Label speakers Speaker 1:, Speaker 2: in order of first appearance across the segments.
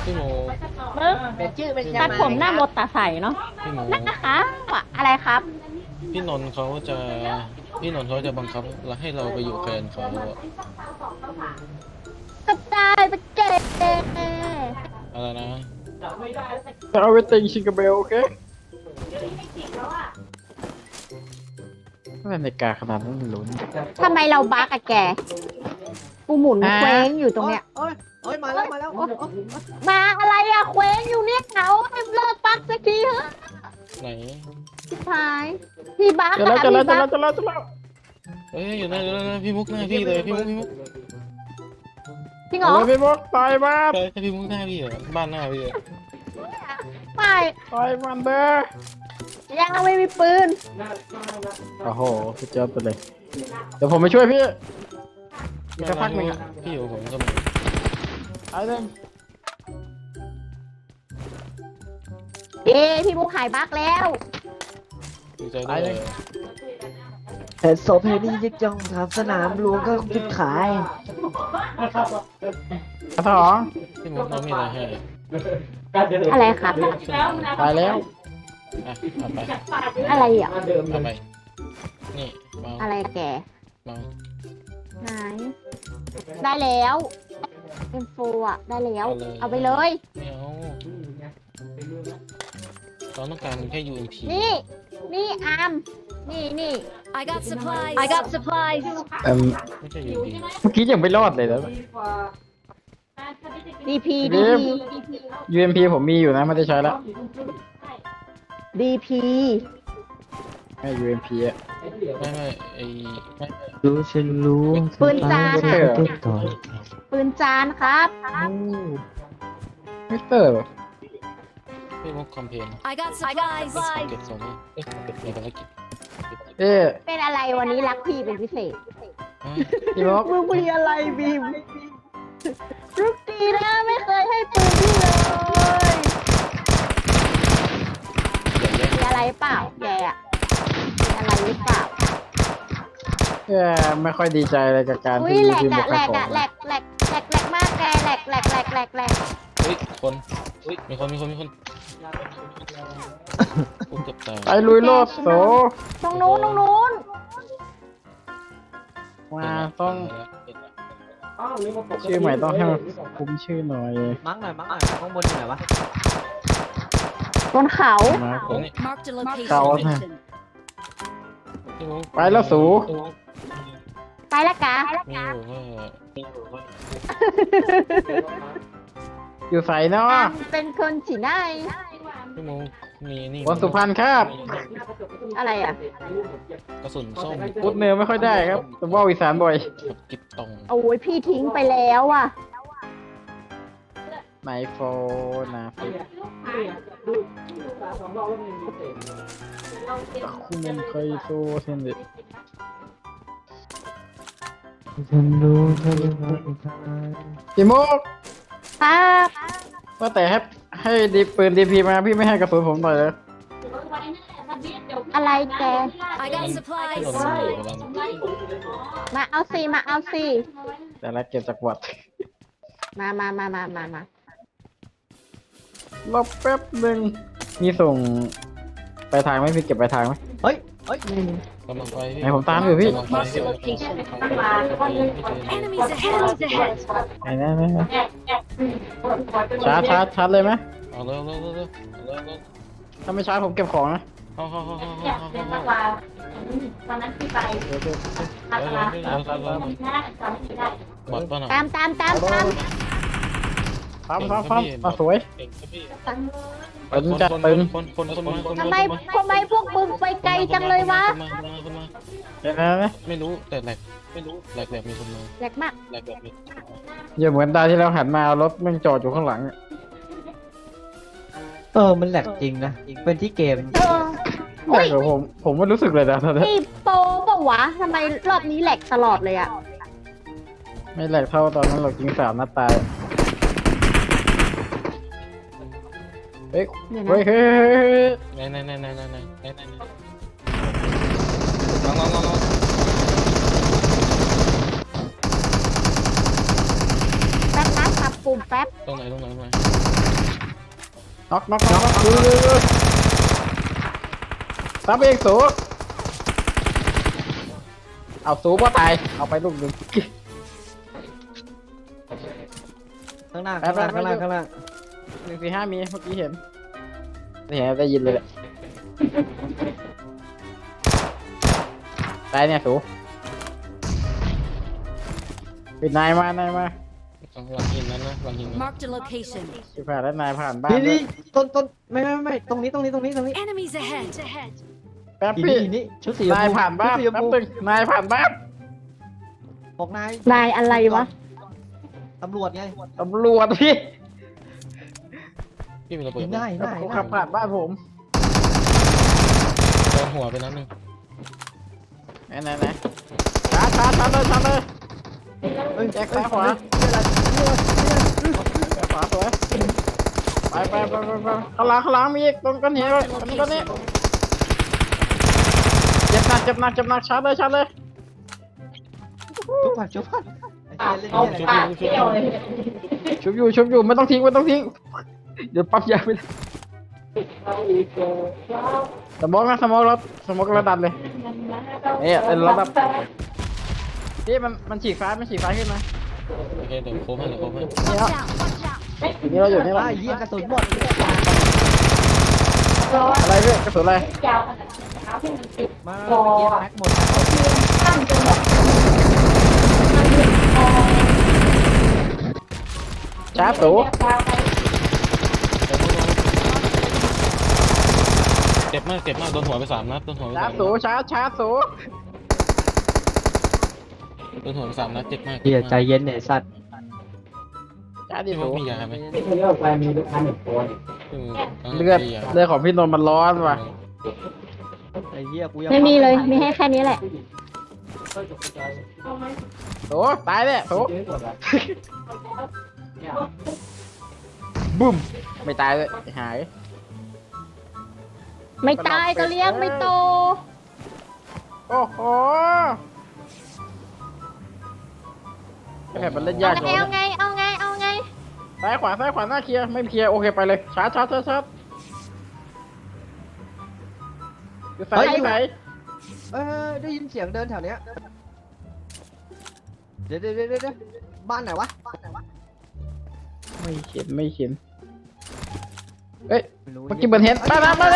Speaker 1: พี่โม
Speaker 2: เป็นชื่อเป็น
Speaker 3: ตัดผมหน้ามดตาใสเนาะ
Speaker 1: พี่โม
Speaker 3: นะคะอะไรครับ
Speaker 1: พี่นนท์เขาจะบังคับให้เราไปอยู่แคลนเขาอะ
Speaker 3: กระจายไปเก็บ
Speaker 1: อะไรนะ
Speaker 4: จะเอาไปติงชิงกาเบลโอเคอะไรในกาขนาดนั้นมันลุ้น
Speaker 3: ทำไมเราบักอะแกกูหมุนเคว้งอยู่ตรงเนี้ย
Speaker 2: โอ้ยมาแล้ว
Speaker 3: มาอะไรอะเคว้งอยู่เนี่ยเขาให้เลิกบักสักทีเถอะ
Speaker 1: ไหน
Speaker 3: ชิบหายพี่บัก
Speaker 4: จะแล้ว
Speaker 3: อะ
Speaker 4: จะแล้ว
Speaker 3: พี่
Speaker 4: จะ
Speaker 3: บั
Speaker 4: แล้ว
Speaker 3: ก
Speaker 4: จะแล้ว
Speaker 1: เอ้ยอยู่หน้าพี่มุกหน้าพี่เลยพี่มุก
Speaker 3: จริงเหรอ
Speaker 4: เอาเลยพี่บอกต่อยมัน
Speaker 1: ใช่พี่มุกหน้าพี่เหรอบ้านหน้าพี่เหรอ
Speaker 3: ไม่
Speaker 4: ต่อยมันเด้อ
Speaker 3: ยังไม่มีปืน
Speaker 4: โอ้โหสุดยอดไปเลยเดี๋ยวผมไปช่วยพี่อีกสักพักหนึ่งอะ
Speaker 1: พี่อยู่ผมก็มี
Speaker 4: ไอ้เด้ง
Speaker 3: เอ้พี่มุกหายบักแล้ว
Speaker 1: ดีใจด้วย
Speaker 2: เห็นโซเพนี่ยึกจังทำสนามหลวงก็คิดขาย
Speaker 4: กระถอง
Speaker 1: พี่มุกเรามีอะไรให้
Speaker 3: อะไรครับ
Speaker 4: ตายแล้ว
Speaker 1: อ่ะเอาไป
Speaker 3: อะไรอ่ะ
Speaker 1: เอาไปนี่เมา
Speaker 3: อะไรแก
Speaker 1: เมา
Speaker 3: ไหนได้แล้วเอ็มโฟอ่ะได้แล้วเอาไปเลย
Speaker 1: ไม่เอาเราต้องการแค่ UMP
Speaker 3: นี่อาร์มนี่
Speaker 5: I got supplies. I got supplies.
Speaker 1: ไม่ใช่ UMP
Speaker 4: เมื่อกี้ยังไม่รอดเลยนะ
Speaker 3: ดีพี
Speaker 4: UMP ผมมีอยู่นะไม่ได้ใช้แล้ว
Speaker 3: ดีพี
Speaker 4: ไม่ UMP อะ
Speaker 1: ไม่ไอ้ไม่
Speaker 2: รู้ฉันรู้
Speaker 3: ปืนจาน
Speaker 4: ไม่ใช่
Speaker 3: อ่ะ
Speaker 4: เหรอ
Speaker 3: ปืนจานครับ
Speaker 4: มิสเตอร์เหรอ
Speaker 1: พี่มุกคอมเพน
Speaker 5: I got supplies.
Speaker 1: เก็บสองนี่เก็บในภารกิจ
Speaker 4: เอ๊ะ
Speaker 3: เป็นอะไรวันนี้รักพี่เป็นพิเศษ
Speaker 4: พี่บอก
Speaker 3: มึงมีอะไรบีมลูกดีนะไม่เคยให้ปืนพี่เลยมีอะไรเปล่าแกอ่ะมีอะไรหรือเปล่า
Speaker 4: ไม่ค่อยดีใจเลยกับการ
Speaker 3: อุ้ย
Speaker 4: ที่
Speaker 3: แหลก
Speaker 4: พี่บอ
Speaker 3: อะ
Speaker 4: ก
Speaker 3: แหล
Speaker 4: ขาย
Speaker 3: ก
Speaker 4: ของ
Speaker 3: อะแหลกมากแกแหลก
Speaker 1: เฮ้ยคนเฮ้ยมีคนกูเกือบตาย
Speaker 4: ไปลุยโลดโส
Speaker 3: ตรงนู้น
Speaker 4: มาต้องชื่อใหม่ต้องให้มันคุ้มชื่อหน่อย
Speaker 2: มั้งหน่อยข้างบนอยู่ไหนวะ
Speaker 3: บนเขา
Speaker 4: มา
Speaker 1: ตรงนี้
Speaker 5: Marked a location.
Speaker 4: เก่าฮะ
Speaker 1: พี่มุก
Speaker 4: ไปแล้วสู
Speaker 3: ไปละกะ
Speaker 1: มีอยู่ว่า
Speaker 4: อยู่ใส่เนาะ
Speaker 3: เป็นคนฉีไหน
Speaker 1: พี่มุกมีนี่
Speaker 4: วันสุพรรณครับ
Speaker 3: อะไรอ่ะ
Speaker 1: กระสุนส้ม
Speaker 4: พูดเนื้อไม่ค่อยได้ครับแต่ว่าอีสานบ่อย
Speaker 1: กับกิบตอง
Speaker 3: โอ้ยพี่ทิ้งไปแล้วอ่ะ
Speaker 4: ไมโฟนนะคุณเคยโซเซนเด
Speaker 2: ฉันรู้ฉันรู้
Speaker 4: พี่มุก
Speaker 3: ครับ
Speaker 4: ว่าแต่ให้ดีปืนดีพีมาพี่ไม่ให้กระสุนผมหน่อยเลย
Speaker 3: อะไรแก
Speaker 5: I got
Speaker 1: พี่
Speaker 5: supplies.
Speaker 1: นนท์อยู่กับเรา
Speaker 3: มาเอาสิ
Speaker 4: แต่ละเก็บจากวัด
Speaker 3: มา
Speaker 4: รอแป๊บหนึ่งมีส่งไปทางไหมพี่เก็บไปทางไหม
Speaker 2: เฮ้ย
Speaker 1: กำลังไปพี่
Speaker 4: ไหนผมตามอยู่พี่
Speaker 1: กำลังไป
Speaker 5: Marked a location. Enemies ahead.
Speaker 4: ไหนชาร์จเลยไหม
Speaker 1: เอาเร็ว
Speaker 4: ถ้าไม่ชาร์จผมเก็บของนะ
Speaker 1: เข้า
Speaker 6: ตอนนั้นที่ไป
Speaker 1: หมดป่ะน่ะ
Speaker 3: ตาม
Speaker 4: ปั๊มสวย
Speaker 1: เก่งครับพี่
Speaker 4: ตึงจัดตึง
Speaker 1: คนมา
Speaker 3: ทำไมพวกมึงไปไกลจังเลยวะ
Speaker 1: คนมา
Speaker 4: เห็นไหม
Speaker 1: ไม่รู้แต่แหลกมีคนมา
Speaker 3: แหลกมาก
Speaker 1: แหลกมี
Speaker 4: อย่าเหมือนตาที่เราหันมารถมันจอดอยู่ข้างหลัง
Speaker 2: มันแหลกจริงนะ เป็นที่เกม
Speaker 3: เฮ้ย
Speaker 4: แต่ผมไม่รู้สึกเลยนะตอนนี้
Speaker 3: นี่โปรเปล่าวะทำไมรอบนี้แหลกตลอดเลยอ่ะ
Speaker 4: ไม่แหลกเท่าตอนนั้นเรายิง3 นัดตายเฮ้ย
Speaker 3: เดี๋ยวนะ
Speaker 4: เฮ้ย
Speaker 1: ไหนลอง
Speaker 3: แป๊บนะสับปูปุ่มแป๊บ
Speaker 1: ตรงไหน
Speaker 4: น็อกดูซับเองสูเอาสูว่าตายเอาไปลูกหนึ่ง
Speaker 2: ข้างหน้า
Speaker 4: ไป
Speaker 2: ข้างล่าง
Speaker 4: ไป
Speaker 2: ข้างล่าง
Speaker 4: 145มีเมื่อกี้เห็นนี่เห็นได้ยินเลยแหละตายเนี่ยสูเป็นนายมา
Speaker 1: หลังหินนั้นนะหลังหินนั้น
Speaker 5: Marked a location.
Speaker 4: ที่ผ่านแล้วนายผ่านบ้าน
Speaker 2: นี่
Speaker 4: ด้วย
Speaker 2: ต้นไม่ตรงนี้
Speaker 5: Enemies ahead.
Speaker 4: แป๊บ
Speaker 2: นี่
Speaker 4: พี่
Speaker 2: นี่ชุดสีชม
Speaker 4: นาย
Speaker 2: พู
Speaker 4: ผ่านบ้าน
Speaker 2: ชุดสีชม
Speaker 4: แป๊บ
Speaker 2: พู
Speaker 4: นึงนายผ่านบ้าน
Speaker 2: บอกนาย
Speaker 3: นายอะไรวะ
Speaker 2: ตำรวจไง
Speaker 4: ตำรวจพี่
Speaker 1: พี่มีระเบิด
Speaker 2: ง่ายง่าย
Speaker 4: เขาขับผ่านบ้านผม
Speaker 1: โดนหัวไปนัดหนึง
Speaker 4: ไหนชาร์จเลย
Speaker 2: เอ้ย
Speaker 4: แยกซ้ายขวา ขวาสวยไปข้างหลังมีอีกตรงกันเหวตรงนี้เจ็บหนักชาร์จเลย
Speaker 2: ชุบผ่านไอ้เหี้ยเล่นเนี่ย
Speaker 1: ชุบ
Speaker 4: ชุบอยู่ไม่ต้องทิ้งเดี๋ยวปั๊บยาไปเลยสมองระดับเลยเนี่ยเป็นระดับนี่มันฉีกซ้ายขึ้นมา
Speaker 1: โอเคเดี๋ยวโค้งให้
Speaker 5: Watch out. Watch out.
Speaker 4: นี่เราอยู่นี่
Speaker 2: ไอ้
Speaker 4: ละ
Speaker 2: เหี้ยกระสุนหมด
Speaker 4: อะไรพี่กระสุนอะไร
Speaker 2: มาเกียร์แม็กหมด
Speaker 4: ชาร์จสู
Speaker 1: เจ็บมากโดนหัวไป3 นัดโดนหัวไป
Speaker 4: ชาร์จ
Speaker 1: 3
Speaker 4: สู
Speaker 1: นัด
Speaker 4: ชาร์จสู
Speaker 1: โดนหัวไป3 นัดเจ็บมาก
Speaker 2: เหี้ยใจเย็นเนี่ยสัตว์
Speaker 4: ชาร์จดิ
Speaker 1: พี่
Speaker 4: สู
Speaker 1: ว่ามียาไหม
Speaker 4: เลือดของพี่นนท์มันร้อนว่ะ
Speaker 2: ไอ้เหี้ยกูยัง
Speaker 3: ไม่มีเลย มีให้แค่นี้แหละ
Speaker 4: สูตายเลยสูบุ้มไม่ตายเลยหาย
Speaker 3: ไม่ตายก็เลี้ยงไม่โต
Speaker 4: โอ้โหแผลมันเล่นยาก
Speaker 3: เอาไง
Speaker 4: เลย
Speaker 3: เอาไง
Speaker 4: ซ้ายขวาหน้าเคลียร์ไม่เคลียร์โอเคไปเลยชาร์จอยู่ไหน
Speaker 2: ได้ยินเสียงเดินแถวเนี้ยเดี๋ยวบ้านไหนวะ
Speaker 4: ไม่เข็นเอ้ย
Speaker 2: ไม่รู้
Speaker 4: เมื่อกี้เหมือนเห็นมาเลย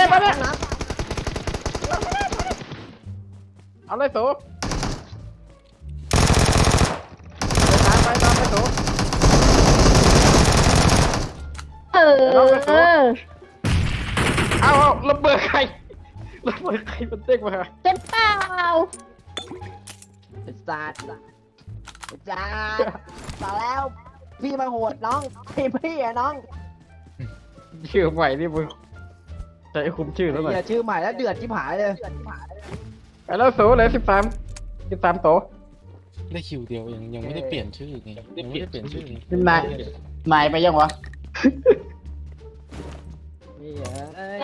Speaker 4: เอาเลยสูไปตามไปสู เอาระเบิดใครมันเด้งมา
Speaker 3: เจ็บเปล่า
Speaker 2: เป็นศาสตร์จ้าต่อแล้วพี่มาโหดน้องพี่อะน้อง
Speaker 4: ชื่อใหม่นี่มึงใจคุมชื่อแล้วหน่อย
Speaker 2: อย่าชื่อใหม่แล้วเดือดชิบหายเลย
Speaker 4: ไปแล้วสูเลย13โต
Speaker 1: ได้คิวเดียวยังไม่ได้เปลี่ยนชื่อไงยังไม่ได้เปลี่ยนชื่อ
Speaker 4: นี่นายไปยังวะ
Speaker 2: นี่เอ้ย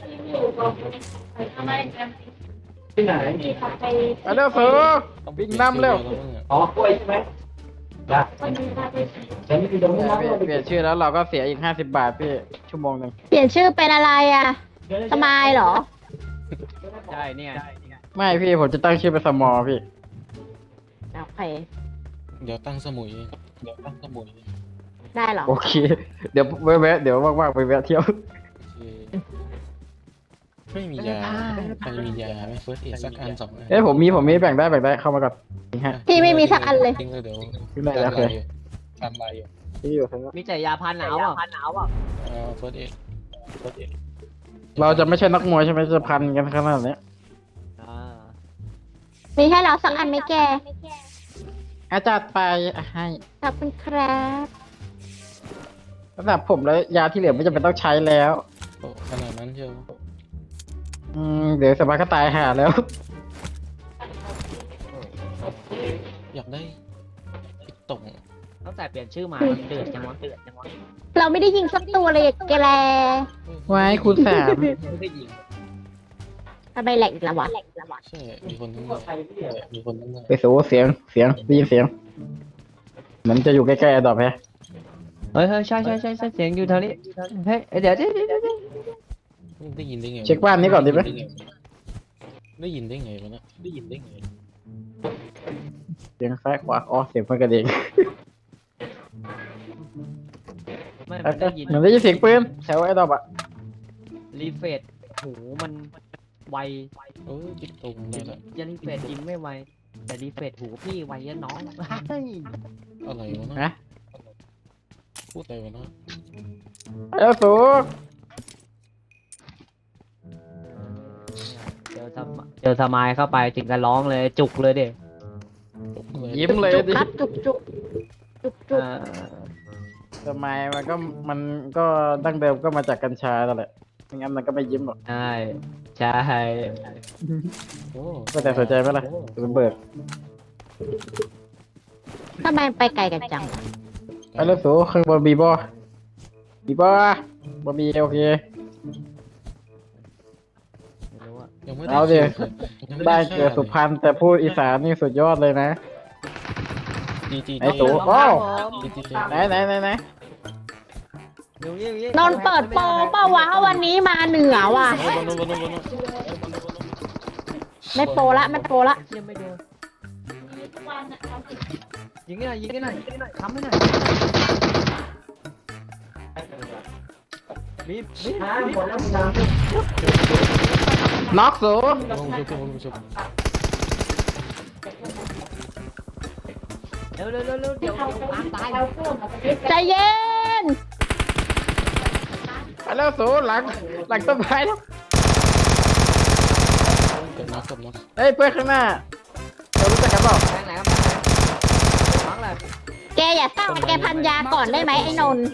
Speaker 4: ไปแล้วสูวิ่งนำเร็ว
Speaker 6: อ๋อกล้วยใช่ไหมได้ฉันไม่มีตรงนี้นะ
Speaker 4: เปลี่ยนชื่อแล้วเราก็เสียอีก50 บาทพี่ชั่วโมงหนึ่ง
Speaker 3: เปลี่ยนชื่อเป็นอะไรอ่ะ สมายเหรอ
Speaker 2: ใช่เนี่ย
Speaker 4: ไม่พี่ผมจะตั้งชื่อเป็นสมอพี่
Speaker 3: โอเค
Speaker 1: เดี๋ยวตั้งสมุย
Speaker 3: ได้เหรอ
Speaker 4: โอเค เดี๋ยวแวะเดี๋ยวว่างๆไปแวะเที่ยว
Speaker 1: ไม่มียาใครมียาไหมเฟิร์สเอดสักอัน2 อัน
Speaker 4: เอ้ยผมมีแบ่งได้เข้ามาก่อนนี่ฮะ
Speaker 3: พี่ไม่มีสักอันเลย
Speaker 1: ทิ้งเลยเดี๋ยว
Speaker 4: ทิ้งเลยโอเค
Speaker 1: ทำลายอยู่
Speaker 4: ที่อยู่ข้างนอก
Speaker 2: มีแต่ยาพันหนาวอ่ะ
Speaker 1: เฟิร์สเอด
Speaker 4: เราจะไม่ใช่นักมวยใช่ไหมจะพันกันขนาดนี้
Speaker 3: มีให้เราสักอันไหมแก
Speaker 4: อาจารย์ไปให้
Speaker 3: ขอบคุณครับ
Speaker 4: สำหรับผมแล้วยาที่เหลือไม่จำเป็นต้องใช้แล้ว
Speaker 1: โอ้ขนาดนั้นเชียว
Speaker 4: เดี๋ยวสบายก็ตายห่าแล้ว
Speaker 1: อยากได้ตรง
Speaker 2: ตั้งแต่เปลี่ยนชื่อมามันเดือดจังวะ
Speaker 3: เราไม่ได้ยิงสักตัวเลยแกแล
Speaker 4: ไว้คูณ 3
Speaker 2: ไม่ได้ยิง
Speaker 3: ทำไมแหลกอีกแล้ววะ
Speaker 1: ใช่มีคนทั้งนั้น
Speaker 4: ไปสูเสียงได้ยินเสียงเหมือนจะอยู่ใกล้ๆดอกแฮะ
Speaker 6: เฮ้ยใช่เสียงอยู่แถวนี้เฮ้ยเดี๋ยว
Speaker 1: ได้ยินได้ไง
Speaker 4: เช็คบ้านนี้ก่อนดีไหม
Speaker 1: ได้ยินได้ไงวะนะได้ยินได้ไง
Speaker 4: เสียงซ้ายขวาอ๋อเสียงเพื่อนกระเด็น
Speaker 6: ไม่
Speaker 4: เห
Speaker 6: ได้ยิน
Speaker 4: มือนได้ยินเสียงปืนแถวไอ้ดอกอะ
Speaker 6: รีเฟรชหูมันไว
Speaker 1: จิตตรงเลยแหละ
Speaker 6: ยันรีเฟรชยิงไม่ไวแต่รีเฟรชหูพี่ไวยันน้องเฮ้ย
Speaker 1: อะไรวะ
Speaker 4: นะ
Speaker 1: นะพูดอะไรวะนะ
Speaker 4: แล้วสู
Speaker 6: เจอสมายเข้าไปถึงกันร้องเลยจุกเลยเด็
Speaker 4: ยิ้มเลย
Speaker 3: จุก
Speaker 4: ดิ
Speaker 3: ครับจุกจุก
Speaker 4: ทำไมมันก็ดั้งเดิมก็มาจากกัญชานั่นแหละไม่งั้นมันก็ไม่ยิ้มหรอก
Speaker 6: ใช่
Speaker 1: โอ้
Speaker 4: ก็แต่สนใจไหมล่ะคุณเบิร์ด
Speaker 3: ทำไมไปไกลกันจัง
Speaker 4: ไปแล้วสูข้างบนบีบอบมีโอเค
Speaker 6: ไม่รู้อะ
Speaker 1: ยังไม่
Speaker 4: เอาดิ
Speaker 1: ยังไม่
Speaker 4: ได้เกิดสุพรรณแต่พูดอีสานนี่สุดยอดเลยนะ
Speaker 1: จี
Speaker 4: ไอ้ตู่ โอ้
Speaker 1: จี
Speaker 4: ไหน
Speaker 3: นนท์เปิดโปรเปล่าวะวันนี้มาเหนือว่ะ ไม่โปรละไม่โปรละ
Speaker 6: ยังไม่เจอยิงให้หน่อยทำให้หน่อยมี
Speaker 4: น็อกสู
Speaker 1: ลงชุบ
Speaker 6: เร็วเดี๋ยวตาย
Speaker 3: ใจเย็น
Speaker 4: ไปแล้วสูหลังต้นไม้แล้ว
Speaker 1: กับน็อก
Speaker 4: เฮ้ยเพื่อนข้างหน้าเรารู้จักกันเปล่า
Speaker 6: แทงไหนครับฟังเลย
Speaker 3: แกอย่าเศร้าแกพันยาก่อนได้ไหมไอ้นนท์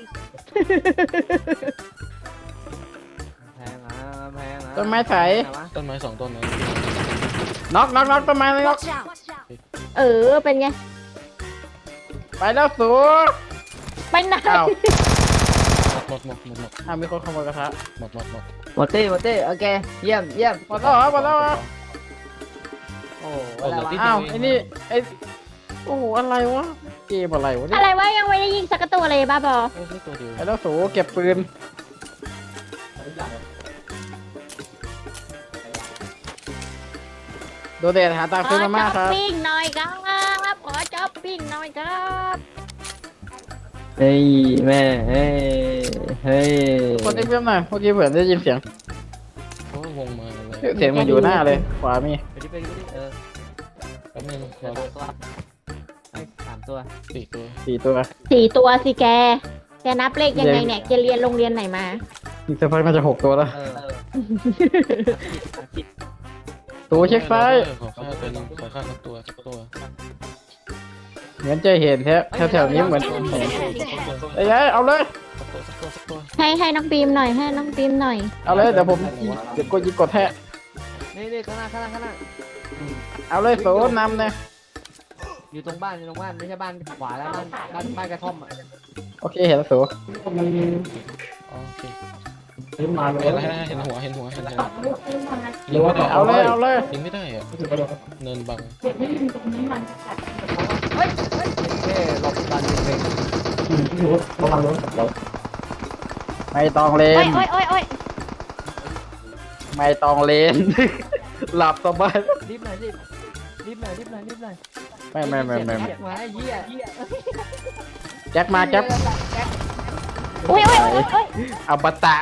Speaker 6: แพงนะ
Speaker 4: ต้นไม้ไถ
Speaker 1: ต้นไม้2ต้นนะ
Speaker 4: น็อกต้นไม้เลยน็อก
Speaker 5: Watch out!
Speaker 3: เป็นไง
Speaker 4: ไปแล้วสู
Speaker 3: ไปไหน
Speaker 4: อ้าว
Speaker 1: หมด
Speaker 4: อ้าวมีคนขโมยกระทะ
Speaker 1: หมด
Speaker 6: หมดตี้โอเคเยี่ยม
Speaker 4: หมดแล้วเหรอ
Speaker 6: โอ้อะไรวะ
Speaker 4: อ้าวไอ้นี่ไอ้โอ้โหอะไรวะเกมอะไรวะเนี่
Speaker 3: อะ
Speaker 4: ย
Speaker 3: ไรวะยังไม่ได้ยิงสักตัวเลยบ้าบอ
Speaker 1: โอ้ยตัวเดียว
Speaker 4: ไปแล้วสูเก็บปืนโดเดทหาตังค์ซื้อมาม่าครับ
Speaker 3: ปิ้งหน่อยครับขอจ๊อปปิ้งหน่อยครับ
Speaker 6: เฮ้ยแม่เฮ้ย
Speaker 4: คนที่เพิ่มหน่อยเมื่อกี้เผื่อได้ยินเสียง
Speaker 1: เพราะว่าวงมาเลย
Speaker 4: เสียงมันอยู่หน้าเลยขวามี
Speaker 6: ไปดิ
Speaker 1: แป๊บนึง
Speaker 6: เดี๋ยวตัวไอ้3ตัว
Speaker 1: 4 ตัว
Speaker 4: 4 ตัว
Speaker 3: 4 ตัวสิแกนับเลขยังไงเนี่ยแกเรียนโรงเรียนไหนมา
Speaker 4: อีกสักพักน่าจะ6 ตัวแล้ว
Speaker 6: ผิด
Speaker 4: ตัวเช็คซ้าย
Speaker 1: ขอฆ่าตัวนึงขอฆ่าสักตัว
Speaker 4: เหมือนจะเห็นแถวนี้เหมือน
Speaker 5: Enemies ahead!
Speaker 4: ไอ้ยัยเอาเลย
Speaker 1: สักตัว
Speaker 3: ให้น้องปีมหน่อยให้น้องปีมหน่อย
Speaker 4: เอาเลยเดี๋ยวผมเดี๋ยวยิงกดแทะ
Speaker 6: นี่ข้างหน้า
Speaker 4: เอาเลยโซนนำเนี่ย
Speaker 6: อยู่ตรงบ้านไม่ใช่บ้านขวาแล้วบ้านกระท่อมอ่ะ
Speaker 4: โอเคเห็นแล้วโซ
Speaker 1: โอเคเห็นหัวยิงไม่ได้
Speaker 4: เอาเลย
Speaker 1: ยิงไม่ได้อะเนินบัง
Speaker 6: เฮ้ยหลบดันเป็น
Speaker 4: ไม่ต้องเล
Speaker 3: โอ้
Speaker 4: น
Speaker 3: ย
Speaker 4: ไม่ต้องเลน หลับสบาย
Speaker 6: รีบหน่อย
Speaker 4: ไม่
Speaker 6: มาไอ้เหี้ย
Speaker 4: แจ็คมาแจ็ค
Speaker 3: โอ้ย
Speaker 4: เอาบัตตะ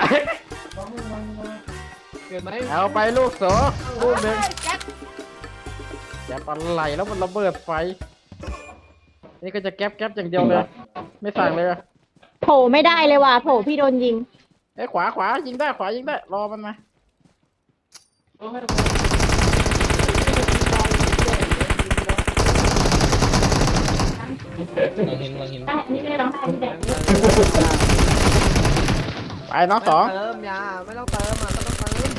Speaker 6: เกิดไหม
Speaker 4: เอาไปลูกโสลูกหนึ่งแจ็คอะไรแล้วมันระเบิดไฟนี่ก็จะแก๊ปอย่างเดียวเลย ไม่สั่งเลย
Speaker 3: โผล่ไม่ได้เลยว่ะโผล่พี่โดนยิง
Speaker 4: ไอ้ขวายิงได้รอมันมา
Speaker 1: ลังหิน
Speaker 4: ไปน้องสอง
Speaker 6: เติมยาไม่ต้องเติมอ่ะก็ต้องเติม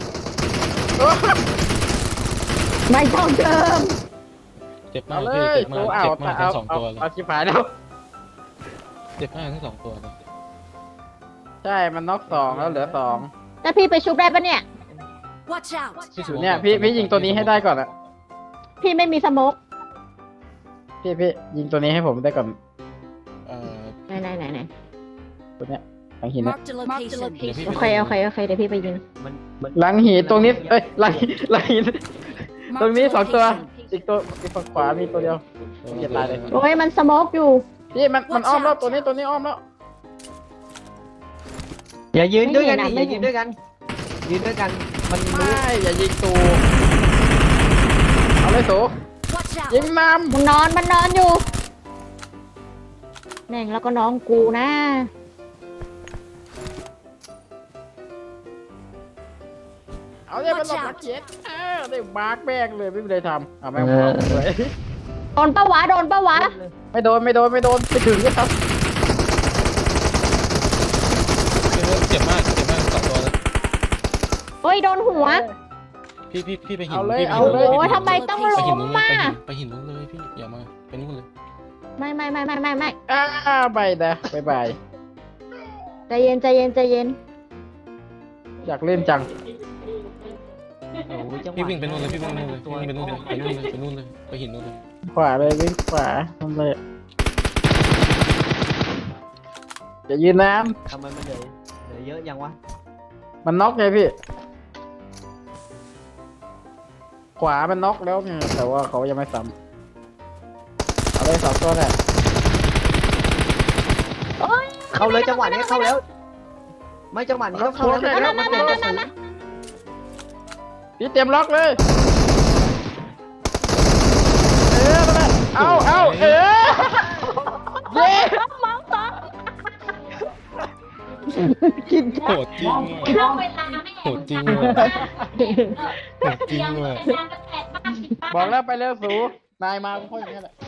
Speaker 3: ไม่ต้องเติม
Speaker 1: เจ็บมา
Speaker 4: เอา
Speaker 1: ก
Speaker 4: เล
Speaker 1: พี่
Speaker 4: ย
Speaker 1: เจ็บ
Speaker 4: โซ
Speaker 1: มาก
Speaker 4: เอา
Speaker 1: เจ็บมากทั้ง2ตัวเลย
Speaker 4: เอาชิบหายแล้ว
Speaker 1: เจ็บมากทั้ง2ตัวเลย
Speaker 4: ใช่มันน็อก2แล้วเหลือ2
Speaker 3: แล้วพี่ไปชุบได้ปะเนี่ย
Speaker 5: Watch out!
Speaker 4: เนี่ยพี่ยิงตัวนี้ให้ได้ก่อนอะ
Speaker 3: พี่ไม่มีสโมก
Speaker 4: พี่ยิงตัวนี้ให้ผมได้ก่อน
Speaker 1: เอ่อ
Speaker 3: ไหน
Speaker 4: หลังหินนะ
Speaker 5: Marked a location.
Speaker 1: เดี๋ยวพี่
Speaker 3: โอ
Speaker 1: ไป
Speaker 3: เคโอเคโอเคเดี๋ยวพี่ไปยิง
Speaker 4: หลังหินตรงนี้เอ้ยหลังหินตรงนี้
Speaker 5: Marked a
Speaker 4: 2 ตัว
Speaker 5: location.
Speaker 4: อีกตัวอีกฝั่งขวามีตัวเดียว อย่าตายเลย
Speaker 3: โอ้ยมันสโมกอยู่
Speaker 4: พี่มันอ้อมแล้วตัวนี้อ้อมแล้ว
Speaker 2: อย่ายืนด้วยกัน
Speaker 3: ไม่
Speaker 2: ดิอ
Speaker 3: เห็
Speaker 2: ย่าน ยืนด้วยกันยืนด้วยกันมัน
Speaker 4: ไม่อย่ายิงตูเอาเลยสู
Speaker 5: Watch
Speaker 4: ยิง
Speaker 5: out.
Speaker 4: น้
Speaker 3: มันนอนอยู่แม่งแล้วก็น้องกูนะ
Speaker 4: ำเอาเลยมันหลบนักเจ็ดได้บาร์กแบกเลยไม่มีอะไรทำเอาแม่งเผาเลย
Speaker 3: โดนปะวะโดนปะวะ
Speaker 4: ไม่โดนไม่ถึงก็ทำ
Speaker 1: เจ็บมาก2 ตัวแล้ว
Speaker 3: เฮ้ยโดนหัว
Speaker 1: พี่ไปหิน
Speaker 4: เอาเลย
Speaker 1: พี่ไป
Speaker 4: เอา
Speaker 1: หิน
Speaker 4: เลย
Speaker 3: โอ้ยทำไมต้อง
Speaker 1: ไป
Speaker 3: ล้
Speaker 1: หิน
Speaker 3: ม
Speaker 1: นู้น
Speaker 3: มา
Speaker 1: ไปหินนู้นเลยพี่อย่ามาไปนู่นเลย
Speaker 3: ไม่
Speaker 4: ไปนะบาย
Speaker 3: ใจเย็นใจเย็นใจเย็น
Speaker 4: อยากเล่นจัง
Speaker 2: โอ้ยจังหวะ
Speaker 1: พี่วิ่งไปนู่นเลยพี่วิ่งไปนู่นเลยพี่วิ่งไปนู่นเลยไปนู่นเลยไปนู่นเลยไปหินนู่นเลย
Speaker 4: ขวาเลยวิ่งขวาทำเลยอย่ายืนน้
Speaker 2: ทำไมมันเหลือเยอะยังวะ
Speaker 4: ำมันน็อกไงพี่ ขวามันน็อกแล้วไงแต่ว่าเขายังไม่ซ้ำเอาเลย2 ตัวแหละ
Speaker 2: เข้าเลยจังหวะนี้เข้าแล้ว ไม่จังหวะนี้ต้องเข้าแล้วมันเป็นกระสุน
Speaker 4: พี่เตรียมล็อกเลยนั่นแหละเอาเย้
Speaker 2: กิน
Speaker 1: โหดจริงว่ะโหดจริงว่ะโหดจริงว่ะ
Speaker 4: บอกแล้วไปเร็วสูนายมาก็ค่อยอย่างนี้แหละ